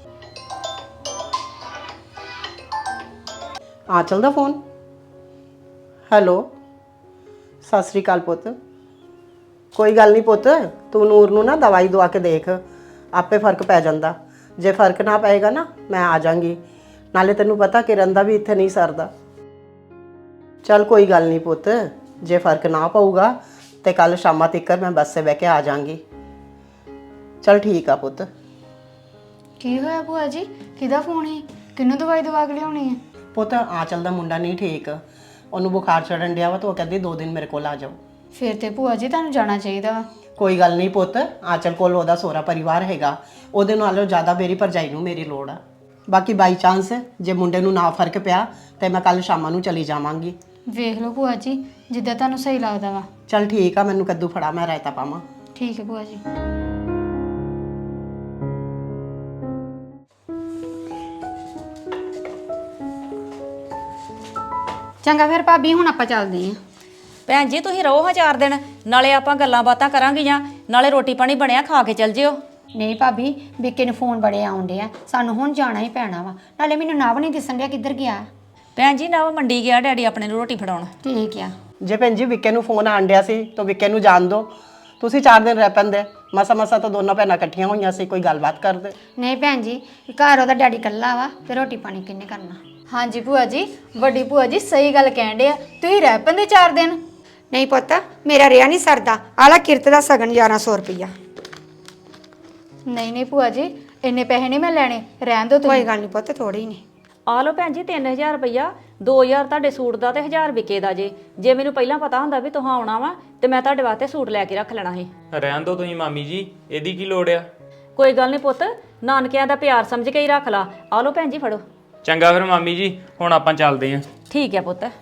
Speaker 5: ਆ ਚੱਲਦਾ ਫੋਨ। ਹੈਲੋ, ਸਤਿ ਸ੍ਰੀ ਅਕਾਲ ਪੁੱਤ। ਕੋਈ ਗੱਲ ਨਹੀਂ ਪੁੱਤ, ਤੂੰ ਨੂਰ ਨੂੰ ਨਾ ਦਵਾਈ ਦਵਾ ਕੇ ਦੇਖ, ਆਪੇ ਫਰਕ ਪੈ ਜਾਂਦਾ। ਜੇ ਫਰਕ ਨਾ ਪਏਗਾ ਨਾ, ਮੈਂ ਆ ਜਾਾਂਗੀ। ਨਾਲੇ ਤੈਨੂੰ ਪਤਾ ਕਿਰਨ ਦਾ ਵੀ ਇੱਥੇ ਨਹੀਂ ਸਰਦਾ। ਚੱਲ ਕੋਈ ਗੱਲ ਨਹੀਂ ਪੁੱਤ, ਜੇ ਫਰਕ ਨਾ ਪਊਗਾ ਤੇ ਕੱਲ ਸ਼ਾਮਾਂ ਤੱਕ ਮੈਂ ਬੱਸ 'ਤੇ ਬਹਿ ਕੇ ਆ ਜਾਾਂਗੀ। ਚੱਲ ਠੀਕ ਆ ਪੁੱਤ।
Speaker 4: ਕੀ ਹੋਇਆ ਭੂਆ ਜੀ? ਕਿਹਦਾ ਫੋਨ ਹੈ? ਕਿਹਨੂੰ ਦਵਾਈ ਦਵਾ ਕੇ ਲਿਆਉਣੀ ਹੈ?
Speaker 5: ਪੁੱਤ ਆ ਚੱਲਦਾ ਮੁੰਡਾ ਨਹੀਂ ਠੀਕ, ਉਹਨੂੰ ਬੁਖਾਰ ਚੜਨ ਡਿਆ ਵਾ, ਤਾਂ ਉਹ ਕਹਿੰਦੀ ਦੋ ਦਿਨ ਮੇਰੇ ਕੋਲ ਆ ਜਾਓ।
Speaker 4: ਫਿਰ ਤੇ ਭੂਆ ਜੀ ਤੁਹਾਨੂੰ ਜਾਣਾ ਚਾਹੀਦਾ ਵਾ।
Speaker 5: ਕੋਈ ਗੱਲ ਨਹੀਂ ਪੁੱਤ, ਆਂਚਲ ਕੋਲ ਉਹਦਾ ਸਹੁਰਾ ਪਰਿਵਾਰ ਹੈਗਾ, ਉਹਦੇ ਨਾਲੋਂ ਜ਼ਿਆਦਾ ਮੇਰੀ ਭਰਜਾਈ ਨੂੰ ਮੇਰੀ ਲੋੜ ਆ। ਬਾਕੀ ਬਾਈ ਚਾਂਸ ਜੇ ਮੁੰਡੇ ਨੂੰ ਨਾ ਫਰਕ ਪਿਆ ਤੇ ਮੈਂ ਕੱਲ ਸ਼ਾਮਾਂ ਨੂੰ ਚਲੀ ਜਾਵਾਂਗੀ।
Speaker 4: ਵੇਖ ਲਓ ਭੂਆ ਜੀ, ਜਿੱਦਾਂ ਤੁਹਾਨੂੰ ਸਹੀ ਲੱਗਦਾ ਵਾ।
Speaker 5: ਚੱਲ ਠੀਕ ਆ, ਮੈਨੂੰ ਕੱਦੂ ਫੜਾ, ਮੈਂ ਰਾਇਤਾ ਪਾਵਾਂ।
Speaker 4: ਠੀਕ ਹੈ ਭੂਆ ਜੀ।
Speaker 6: ਚੰਗਾ ਫਿਰ ਭਾਬੀ, ਹੁਣ ਆਪਾਂ ਚੱਲਦੇ ਆਂ।
Speaker 1: ਭੈਣ ਜੀ ਤੁਸੀਂ ਰਹੋ ਹਾਂ ਚਾਰ ਦਿਨ, ਨਾਲੇ ਆਪਾਂ ਗੱਲਾਂ ਬਾਤਾਂ ਕਰਾਂਗੀਆਂ, ਨਾਲੇ ਰੋਟੀ ਪਾਣੀ ਬਣਿਆ ਖਾ ਕੇ ਚੱਲ ਜਿਓ।
Speaker 6: ਨਹੀਂ ਭਾਬੀ, ਵਿੱਕੇ ਨੂੰ ਫੋਨ ਬੜੇ ਆਉਂਦੇ ਆ, ਸਾਨੂੰ ਹੁਣ ਜਾਣਾ ਹੀ ਪੈਣਾ ਵਾ। ਨਾਲੇ ਮੈਨੂੰ ਨਵ ਨਹੀਂ ਦਿਸਣ ਡਿਆ ਕਿੱਧਰ ਗਿਆ।
Speaker 1: ਭੈਣ ਜੀ ਨਾ ਮੰਡੀ ਗਿਆ ਡੈਡੀ ਆਪਣੇ ਨੂੰ ਰੋਟੀ ਫੜਾਉਣ।
Speaker 6: ਠੀਕ ਆ।
Speaker 5: ਜੇ ਭੈਣ ਜੀ ਵਿੱਕੇ ਨੂੰ ਫੋਨ ਆਣ ਡਿਆ ਸੀ ਤਾਂ ਵਿੱਕੇ ਨੂੰ ਜਾਣ ਦਿਓ, ਤੁਸੀਂ ਚਾਰ ਦਿਨ ਰਹਿ ਪੈਂਦੇ। ਮਸਾ ਮਸਾ ਤਾਂ ਦੋਨੋਂ ਭੈਣਾਂ ਇਕੱਠੀਆਂ ਹੋਈਆਂ ਸੀ, ਕੋਈ ਗੱਲਬਾਤ ਕਰਦੇ।
Speaker 6: ਨਹੀਂ ਭੈਣ ਜੀ, ਘਰ ਉਹਦਾ ਡੈਡੀ ਇਕੱਲਾ ਵਾ, ਤੇ ਰੋਟੀ ਪਾਣੀ ਕਿੰਨੇ ਕਰਨਾ।
Speaker 4: ਹਾਂਜੀ ਭੂਆ ਜੀ, ਵੱਡੀ ਭੂਆ ਜੀ ਸਹੀ ਗੱਲ ਕਹਿਣ ਡਿਆ, ਤੁਸੀਂ ਰਹਿ ਪੈਂਦੇ ਚਾਰ ਦਿਨ।
Speaker 6: ਨਹੀਂ ਪੁੱਤ, ਮੇਰਾ ਰਿਆ ਨਹੀਂ ਸਰਦਾ। ਆਲਾ ਕਿਰਤ ਦਾ ਸਗਨ ਗਿਆਰਾਂ ਸੌ ਰੁਪਈਆ।
Speaker 4: ਨਹੀਂ ਨਹੀਂ ਭੂਆ ਜੀ, ਇੰਨੇ ਪੈਸੇ ਨਹੀਂ ਮੈਂ ਲੈਣੇ, ਰਹਿਣ ਦਿਓ
Speaker 6: ਕੋਈ
Speaker 4: ਤੁਸੀਂ।
Speaker 6: ਗੱਲ ਨਹੀਂ ਪੁੱਤ, ਥੋੜੇ ਹੀ ਨੇ।
Speaker 1: ਆ ਲਓ ਭੈਣ ਜੀ ਤਿੰਨ ਹਜ਼ਾਰ ਰੁਪਈਆ, ਦੋ ਹਜ਼ਾਰ ਤੁਹਾਡੇ ਸੂਟ ਦਾ ਤੇ ਹਜ਼ਾਰ ਵਿਕੇ ਦਾ ਜੇ। ਜੇ ਮੈਨੂੰ ਪਹਿਲਾਂ ਪਤਾ ਹੁੰਦਾ ਵੀ ਤੁਸੀਂ ਆਉਣਾ ਵਾ ਤੇ ਮੈਂ ਤੁਹਾਡੇ ਵਾਸਤੇ ਸੂਟ ਲੈ ਕੇ ਰੱਖ ਲੈਣਾ ਸੀ।
Speaker 7: ਰਹਿਣ ਦਿਓ ਤੁਸੀਂ ਮਾਮੀ ਜੀ, ਇਹਦੀ ਕੀ ਲੋੜ ਆ?
Speaker 1: ਕੋਈ ਗੱਲ ਨਹੀਂ ਪੁੱਤ, ਨਾਨਕਿਆਂ ਦਾ ਪਿਆਰ ਸਮਝ ਕੇ ਹੀ ਰੱਖ ਲਾ। ਆ ਲਓ ਭੈਣ ਜੀ ਫੜੋ।
Speaker 7: ਚੰਗਾ ਫਿਰ ਮਾਮੀ ਜੀ, ਹੁਣ ਆਪਾਂ ਚੱਲਦੇ ਆਂ।
Speaker 1: ਠੀਕ ਹੈ ਪੁੱਤ।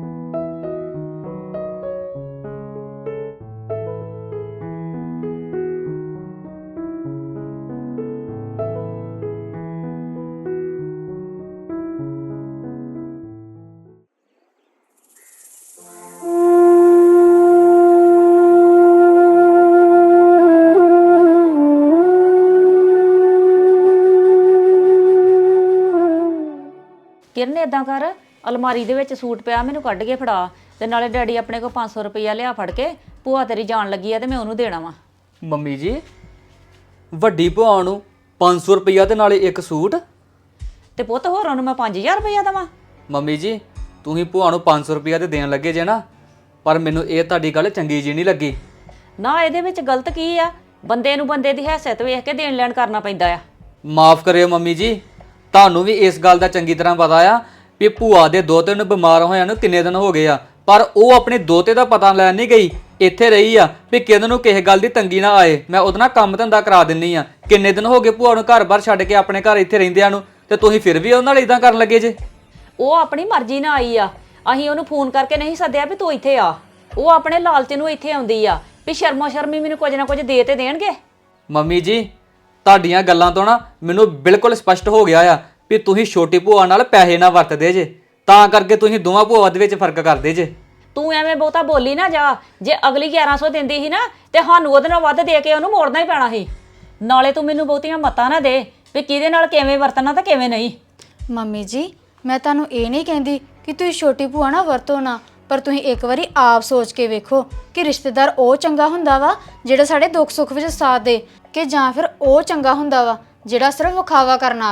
Speaker 1: ਕਿਰਨ ਏਦਾਂ ਕਰ, ਅਲਮਾਰੀ ਦੇ ਵਿੱਚ ਸੂਟ ਪਿਆ, ਮੈਨੂੰ ਕੱਢ ਕੇ ਫੜਾ। ਤੇ ਨਾਲੇ ਡੈਡੀ ਆਪਣੇ ਕੋਲ ਪੰਜ ਸੌ ਰੁਪਈਆ ਲਿਆ ਫੜ ਕੇ, ਭੂਆ ਤੇਰੀ ਜਾਣ ਲੱਗੀ ਆ ਤੇ ਮੈਂ ਉਹਨੂੰ ਦੇਣਾ ਵਾ।
Speaker 3: ਮੰਮੀ ਜੀ, ਵੱਡੀ ਭੂਆ ਨੂੰ ਪੰਜ ਸੌ ਰੁਪਈਆ ਤੇ ਨਾਲੇ ਇੱਕ ਸੂਟ?
Speaker 1: ਤੇ ਪੁੱਤ ਹੋਰਾਂ ਨੂੰ ਮੈਂ ਪੰਜ ਹਜ਼ਾਰ ਰੁਪਈਆ ਦੇਵਾਂ?
Speaker 3: ਮੰਮੀ ਜੀ, ਤੁਸੀਂ ਭੂਆ ਨੂੰ ਪੰਜ ਸੌ ਰੁਪਈਆ ਤੇ ਦੇਣ ਲੱਗੇ ਜੇ ਨਾ, ਪਰ ਮੈਨੂੰ ਇਹ ਤੁਹਾਡੀ ਗੱਲ ਚੰਗੀ ਜੀ ਨਹੀਂ ਲੱਗੀ।
Speaker 1: ਨਾ ਇਹਦੇ ਵਿੱਚ ਗਲਤ ਕੀ ਆ? ਬੰਦੇ ਨੂੰ ਬੰਦੇ ਦੀ ਹੈਸੀਅਤ ਵੇਖ ਕੇ ਦੇਣ ਲੈਣ ਕਰਨਾ ਪੈਂਦਾ ਆ।
Speaker 3: ਮਾਫ ਕਰਿਓ ਮੰਮੀ ਜੀ, ਤੁਹਾਨੂੰ ਵੀ ਇਸ ਗੱਲ ਦਾ ਚੰਗੀ ਤਰ੍ਹਾਂ ਪਤਾ ਆ ਵੀ ਭੂਆ ਦੇ ਦੋਤੇ ਨੂੰ ਬਿਮਾਰ ਹੋਇਆ ਨੂੰ ਕਿੰਨੇ ਦਿਨ ਹੋ ਗਏ ਆ, ਪਰ ਉਹ ਆਪਣੇ ਦੋਤੇ ਦਾ ਪਤਾ ਲੈਣ ਨਹੀਂ ਗਈ, ਇੱਥੇ ਰਹੀ ਆ ਵੀ ਕਿਹਨਾਂ ਨੂੰ ਕਿਸੇ ਗੱਲ ਦੀ ਤੰਗੀ ਨਾ ਆਏ। ਮੈਂ ਉਹਦੇ ਨਾਲ ਕੰਮ ਧੰਦਾ ਕਰਾ ਦਿੰਨੀ ਆ। ਕਿੰਨੇ ਦਿਨ ਹੋ ਗਏ ਭੂਆ ਨੂੰ ਘਰ-ਬਾਰ ਛੱਡ ਕੇ ਆਪਣੇ ਘਰ ਇੱਥੇ ਰਹਿੰਦਿਆਂ ਨੂੰ, ਤੇ ਤੁਸੀਂ ਫਿਰ ਵੀ ਉਹਨਾਂ ਨਾਲ ਇਦਾਂ ਕਰਨ ਲੱਗੇ ਜੇ।
Speaker 1: ਉਹ ਆਪਣੀ ਮਰਜ਼ੀ ਨਾਲ ਆਈ ਆ, ਅਸੀਂ ਉਹਨੂੰ ਫੋਨ ਕਰਕੇ ਨਹੀਂ ਸੱਦਿਆ ਵੀ ਤੂੰ ਇੱਥੇ ਆ। ਉਹ ਆਪਣੇ ਲਾਲਚ ਨੂੰ ਇੱਥੇ ਆਉਂਦੀ ਆ ਵੀ ਸ਼ਰਮੋ ਸ਼ਰਮੀ ਮੈਨੂੰ ਕੁਝ ਨਾ ਕੁਝ ਦੇ ਤੇ ਦੇਣਗੇ।
Speaker 3: ਮੰਮੀ ਜੀ, ਤੁਹਾਡੀਆਂ ਗੱਲਾਂ ਤੋਂ ਨਾ ਮੈਨੂੰ ਬਿਲਕੁਲ ਸਪਸ਼ਟ ਹੋ ਗਿਆ ਆ ਵੀ ਤੁਸੀਂ ਛੋਟੀ ਭੂਆ ਨਾਲ ਪੈਸੇ ਨਾ ਵਰਤਦੇ ਜੇ, ਤਾਂ ਕਰਕੇ ਤੁਸੀਂ ਦੋਵਾਂ ਭੂਆ ਦੇ ਵਿੱਚ ਫਰਕ ਕਰਦੇ ਜੇ।
Speaker 1: ਤੂੰ ਐਵੇਂ ਬਹੁਤਾ ਬੋਲੀ ਨਾ ਜਾ। ਜੇ ਅਗਲੀ ਗਿਆਰਾਂ ਸੌ ਦਿੰਦੀ ਸੀ ਨਾ ਤੇ ਸਾਨੂੰ ਉਹਦੇ ਨਾਲ ਵੱਧ ਦੇ ਕੇ ਉਹਨੂੰ ਮੋੜਨਾ ਹੀ ਪੈਣਾ ਸੀ। ਨਾਲੇ ਤੂੰ ਮੈਨੂੰ ਬਹੁਤੀਆਂ ਮਤਾਂ ਨਾ ਦੇ ਵੀ ਕਿਹਦੇ ਨਾਲ ਕਿਵੇਂ ਵਰਤਣਾ ਤੇ ਕਿਵੇਂ ਨਹੀਂ।
Speaker 4: ਮੰਮੀ ਜੀ, ਮੈਂ ਤੁਹਾਨੂੰ ਇਹ ਨਹੀਂ ਕਹਿੰਦੀ ਕਿ ਤੁਸੀਂ ਛੋਟੀ ਭੂਆ ਨਾਲ ਵਰਤੋ ਨਾ, ਪਰ ਤੁਸੀਂ ਇੱਕ ਵਾਰੀ ਆਪ ਸੋਚ ਕੇ ਵੇਖੋ ਕਿ ਰਿਸ਼ਤੇਦਾਰ ਉਹ ਚੰਗਾ ਹੁੰਦਾ ਵਾ ਜਿਹੜਾ ਸਾਡੇ ਦੁੱਖ ਸੁੱਖ ਵਿੱਚ ਸਾਥ ਦੇ, ਕਿ ਜਾਂ ਫਿਰ ਉਹ ਚੰਗਾ ਹੁੰਦਾ ਵਾ ਜਿਹੜਾ ਸਿਰਫ ਵਿਖਾਵਾ ਕਰਨ ਆਵੇ।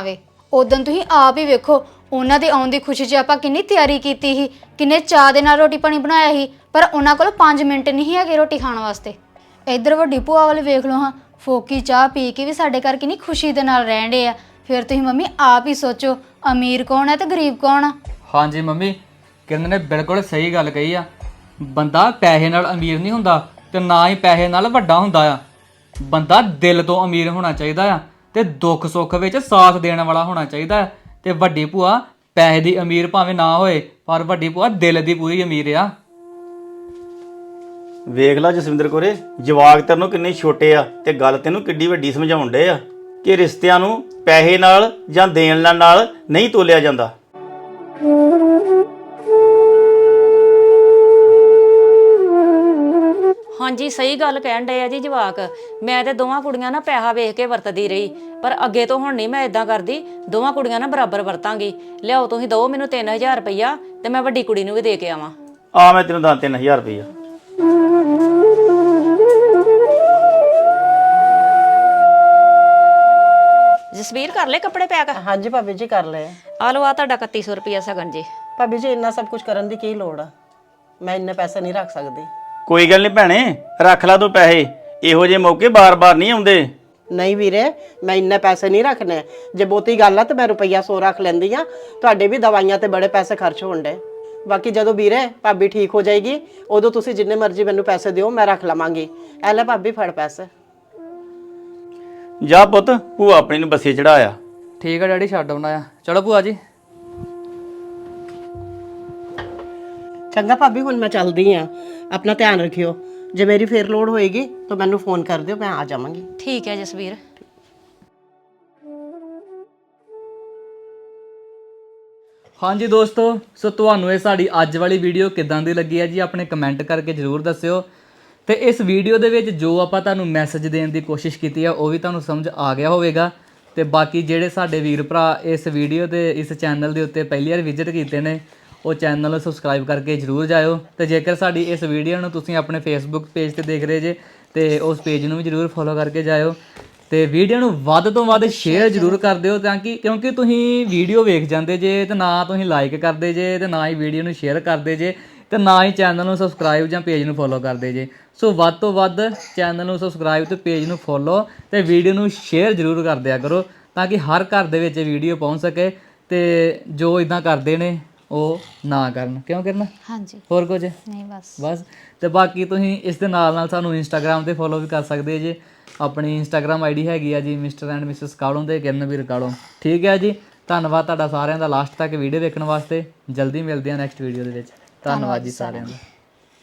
Speaker 4: ਉਦੋਂ ਤੁਸੀਂ ਆਪ ਹੀ ਵੇਖੋ ਉਹਨਾਂ ਦੇ ਆਉਣ ਦੀ ਖੁਸ਼ੀ 'ਚ ਆਪਾਂ ਕਿੰਨੀ ਤਿਆਰੀ ਕੀਤੀ ਸੀ, ਕਿੰਨੇ ਚਾਅ ਦੇ ਨਾਲ ਰੋਟੀ ਪਾਣੀ ਬਣਾਇਆ ਸੀ, ਪਰ ਉਹਨਾਂ ਕੋਲ ਪੰਜ ਮਿੰਟ ਨਹੀਂ ਹੈਗੇ ਰੋਟੀ ਖਾਣ ਵਾਸਤੇ। ਇੱਧਰ ਵੱਡੀ ਭੂਆ ਵਾਲੇ ਵੇਖ ਲਓ ਹਾਂ, ਫੋਕੀ ਚਾਹ ਪੀ ਕੇ ਵੀ ਸਾਡੇ ਘਰ ਕਿੰਨੀ ਖੁਸ਼ੀ ਦੇ ਨਾਲ ਰਹਿਣ ਡੇ ਆ। ਫਿਰ ਤੁਸੀਂ ਮੰਮੀ ਆਪ ਹੀ ਸੋਚੋ, ਅਮੀਰ ਕੌਣ ਹੈ ਤੇ ਗਰੀਬ ਕੌਣ ਆ।
Speaker 3: ਹਾਂਜੀ ਮੰਮੀ, ਕਿਰਨ ਨੇ ਬਿਲਕੁਲ ਸਹੀ ਗੱਲ ਕਹੀ ਆ। ਬੰਦਾ ਪੈਸੇ ਨਾਲ ਅਮੀਰ ਨਹੀਂ ਹੁੰਦਾ ਤੇ ਨਾ ਹੀ ਪੈਸੇ ਨਾਲ ਵੱਡਾ ਹੁੰਦਾ ਆ। ਬੰਦਾ ਦਿਲ ਤੋਂ ਅਮੀਰ ਹੋਣਾ ਚਾਹੀਦਾ ਆ ਤੇ ਦੁੱਖ ਸੁੱਖ ਵਿੱਚ ਸਾਥ ਦੇਣ ਵਾਲਾ ਹੋਣਾ ਚਾਹੀਦਾ ਹੈ। ਤੇ ਵੱਡੀ ਭੂਆ ਪੈਸੇ ਦੀ ਅਮੀਰ ਭਾਵੇਂ ਨਾ ਹੋਏ, ਪਰ ਵੱਡੀ ਭੂਆ ਦਿਲ ਦੀ ਪੂਰੀ ਅਮੀਰ ਆ।
Speaker 2: ਵੇਖ ਲਾ ਜਸਵਿੰਦਰ ਕੋਰੇ, ਜਵਾਕ ਤੈਨੂੰ ਕਿੰਨੇ ਛੋਟੇ ਆ ਤੇ ਗੱਲ ਤੈਨੂੰ ਕਿੱਡੀ ਵੱਡੀ ਸਮਝਾਉਣ ਡੇ ਆ ਕਿ ਰਿਸ਼ਤਿਆਂ ਨੂੰ ਪੈਸੇ ਨਾਲ ਜਾਂ ਦੇਣ ਲੈਣ ਨਾਲ ਨਹੀਂ ਤੋਲਿਆ ਜਾਂਦਾ।
Speaker 1: ਹਾਂਜੀ ਸਹੀ ਗੱਲ ਕਹਿਣ ਡਏ ਆ ਜੀ ਜਵਾਕ। ਮੈਂ ਤੇ ਦੋਵਾਂ ਕੁੜੀਆਂ ਨਾ ਪੈਸਾ ਵੇਖ ਕੇ ਵਰਤਦੀ ਰਹੀ, ਪਰ ਅੱਗੇ ਤੋਂ ਹੁਣ ਨਹੀਂ ਮੈਂ ਇਦਾਂ ਕਰਦੀ। ਦੋਵਾਂ ਕੁੜੀਆਂ ਨਾ ਬਰਾਬਰ ਵਰਤਾਂਗੀ। ਲਿਆਓ ਤੁਸੀਂ ਦਿਓ ਮੈਨੂੰ ਤਿੰਨ ਹਜ਼ਾਰ ਰੁਪਈਆ ਤੇ ਮੈਂ ਵੱਡੀ ਕੁੜੀ ਨੂੰ ਵੀ ਦੇ ਕੇ ਆਵਾਂ।
Speaker 2: ਆ ਮੈਂ ਤੈਨੂੰ ਦਾਂ ਤਿੰਨ ਹਜ਼ਾਰ ਰੁਪਈਆ।
Speaker 1: ਜਸਵੀਰ ਕਰ ਲੈ ਕੱਪੜੇ ਪੈਕ।
Speaker 5: ਹਾਂਜੀ ਭਾਬੀ ਜੀ ਕਰ ਲਏ।
Speaker 1: ਆ ਲਓ ਆ ਤੁਹਾਡਾ ਇਕੱਤੀ ਸੌ ਰੁਪਈਆ ਸਗਨ ਜੀ।
Speaker 5: ਭਾਬੀ ਜੀ ਇੰਨਾ ਸਭ ਕੁਝ ਕਰਨ ਦੀ ਕੀ ਲੋੜ ਆ? ਮੈਂ ਇੰਨੇ ਪੈਸੇ ਨਹੀਂ ਰੱਖ ਸਕਦੀ।
Speaker 2: ਕੋਈ ਗੱਲ ਨਹੀਂ ਭੈਣੇ, ਰੱਖ ਲਾ ਤੂੰ ਪੈਸੇ। ਇਹੋ ਜਿਹੇ ਮੌਕੇ ਬਾਰ-ਬਾਰ ਨਹੀਂ ਆਉਂਦੇ।
Speaker 5: ਨਹੀਂ ਵੀਰੇ, ਮੈਂ ਇੰਨੇ ਪੈਸੇ ਨਹੀਂ ਰੱਖਣੇ। ਜੇ ਬਹੁਤੀ ਗੱਲ ਆ ਤਾਂ ਮੈਂ ਰੁਪਈਆ ਸੌ ਰੱਖ ਲੈਂਦੀ ਆ। ਤੁਹਾਡੇ ਵੀ ਦਵਾਈਆਂ ਤੇ ਬੜੇ ਪੈਸੇ ਖਰਚ ਹੋਣ ਡੇ। ਬਾਕੀ ਜਦੋਂ ਵੀਰੇ ਭਾਬੀ ਠੀਕ ਹੋ ਜਾਏਗੀ ਉਦੋਂ ਤੁਸੀਂ ਜਿੰਨੇ ਮਰਜ਼ੀ ਮੈਨੂੰ ਪੈਸੇ ਦਿਓ, ਮੈਂ ਰੱਖ ਲਵਾਂਗੀ। ਐ ਲੈ ਭਾਬੀ ਫੜ ਪੈਸੇ।
Speaker 2: ਜਾ ਪੁੱਤ, ਭੂਆ ਆਪਣੀ ਨੂੰ ਬੱਸੇ ਚੜਾਇਆ।
Speaker 3: ਠੀਕ ਆ ਡੈਡੀ, ਛੱਡ ਆਉਣਾ ਆ। ਚਲੋ ਭੂਆ ਜੀ।
Speaker 5: ਚੰਗਾ ਭਾਬੀ, ਹੁਣ ਮੈਂ ਚੱਲਦੀ ਆ। ਆਪਣਾ ਧਿਆਨ ਰੱਖਿਓ। ਜੇ ਮੇਰੀ ਫੇਰ ਲੋੜ ਹੋਏਗੀ ਤਾਂ ਮੈਨੂੰ ਫੋਨ ਕਰ ਦਿਓ, ਮੈਂ ਆ ਜਾਵਾਂਗੀ।
Speaker 1: ਠੀਕ ਹੈ ਜਸਵੀਰ।
Speaker 3: ਹਾਂਜੀ ਦੋਸਤੋ, ਸੋ ਤੁਹਾਨੂੰ ਇਹ ਸਾਡੀ ਅੱਜ ਵਾਲੀ ਵੀਡੀਓ ਕਿੱਦਾਂ ਦੀ ਲੱਗੀ ਹੈ ਜੀ, ਆਪਣੇ ਕਮੈਂਟ ਕਰਕੇ ਜ਼ਰੂਰ ਦੱਸਿਓ। ਤੇ ਇਸ ਵੀਡੀਓ ਦੇ ਵਿੱਚ ਜੋ ਆਪਾਂ ਤੁਹਾਨੂੰ ਮੈਸੇਜ ਦੇਣ ਦੀ ਕੋਸ਼ਿਸ਼ ਕੀਤੀ ਆ ਉਹ ਵੀ ਤੁਹਾਨੂੰ ਸਮਝ ਆ ਗਿਆ ਹੋਵੇਗਾ। ਤੇ ਬਾਕੀ ਜਿਹੜੇ ਸਾਡੇ ਵੀਰ ਭਰਾ ਇਸ ਵੀਡੀਓ ਤੇ ਇਸ ਚੈਨਲ ਦੇ ਉੱਤੇ ਪਹਿਲੀ ਵਾਰ ਵਿਜ਼ਿਟ ਕੀਤੇ ਨੇ, ਉਹ ਚੈਨਲ ਨੂੰ ਸਬਸਕ੍ਰਾਈਬ ਕਰਕੇ ਜ਼ਰੂਰ ਜਾਇਓ। ਤੇ ਜੇਕਰ ਸਾਡੀ ਇਸ ਵੀਡੀਓ ਨੂੰ ਤੁਸੀਂ ਆਪਣੇ ਫੇਸਬੁੱਕ ਪੇਜ ਤੇ ਦੇਖ ਰਹੇ ਜੇ ਤੇ ਉਸ ਪੇਜ ਨੂੰ ਵੀ ਜ਼ਰੂਰ ਫੋਲੋ ਕਰਕੇ ਜਾਇਓ। ਤੇ ਵੀਡੀਓ ਨੂੰ ਵੱਧ ਤੋਂ ਵੱਧ ਸ਼ੇਅਰ ਜ਼ਰੂਰ ਕਰ ਦਿਓ, ਤਾਂ ਕਿ ਕਿਉਂਕਿ ਤੁਸੀਂ ਵੀਡੀਓ ਵੇਖ ਜਾਂਦੇ ਜੇ ਤੇ ਨਾ ਤੁਸੀਂ ਲਾਈਕ ਕਰਦੇ ਜੇ ਤੇ ਨਾ ਹੀ ਵੀਡੀਓ ਨੂੰ ਸ਼ੇਅਰ ਕਰਦੇ ਜੇ ਤੇ ਨਾ ਹੀ ਚੈਨਲ ਨੂੰ ਸਬਸਕ੍ਰਾਈਬ ਜਾਂ ਪੇਜ ਨੂੰ ਫੋਲੋ ਕਰਦੇ ਜੇ। ਸੋ ਵੱਧ ਤੋਂ ਵੱਧ ਚੈਨਲ ਨੂੰ ਸਬਸਕ੍ਰਾਈਬ ਤੇ ਪੇਜ ਨੂੰ ਫੋਲੋ ਤੇ ਵੀਡੀਓ ਨੂੰ ਸ਼ੇਅਰ ਜ਼ਰੂਰ ਕਰ ਦਿਆ ਕਰੋ, ਤਾਂ ਕਿ ਹਰ ਘਰ ਦੇ ਵਿੱਚ ਵੀਡੀਓ ਪਹੁੰਚ ਸਕੇ ਤੇ ਜੋ ਇਦਾਂ ਕਰਦੇ ਨੇ ਉਹ ਨਾ ਕਰਨ। ਕਿਉਂ ਕਰਨਾ?
Speaker 4: ਹਾਂਜੀ,
Speaker 3: ਹੋਰ ਕੁਝ
Speaker 4: ਨਹੀਂ ਬਸ
Speaker 3: ਬਸ। ਤੇ ਬਾਕੀ ਤੁਸੀਂ ਇਸ ਦੇ ਨਾਲ ਨਾਲ ਸਾਨੂੰ ਇੰਸਟਾਗ੍ਰਾਮ ਤੇ ਫੋਲੋ ਵੀ ਕਰ ਸਕਦੇ ਜੇ। ਆਪਣੀ ਇੰਸਟਾਗ੍ਰਾਮ ਆਈਡੀ ਹੈਗੀ ਆ ਜੀ ਮਿਸਟਰ ਐਂਡ ਮਿਸਿਸ ਕਾਲੋਂ ਤੇ ਕਿਰਨਵੀਰ ਕਾਲੋਂ। ਠੀਕ ਹੈ ਜੀ, ਧੰਨਵਾਦ ਤੁਹਾਡਾ ਸਾਰਿਆਂ ਦਾ ਲਾਸਟ ਤੱਕ ਵੀਡੀਓ ਦੇਖਣ ਵਾਸਤੇ। ਜਲਦੀ ਮਿਲਦੇ ਹਾਂ ਨੈਕਸਟ ਵੀਡੀਓ ਦੇ ਵਿੱਚ। ਧੰਨਵਾਦ ਜੀ ਸਾਰਿਆਂ ਦਾ।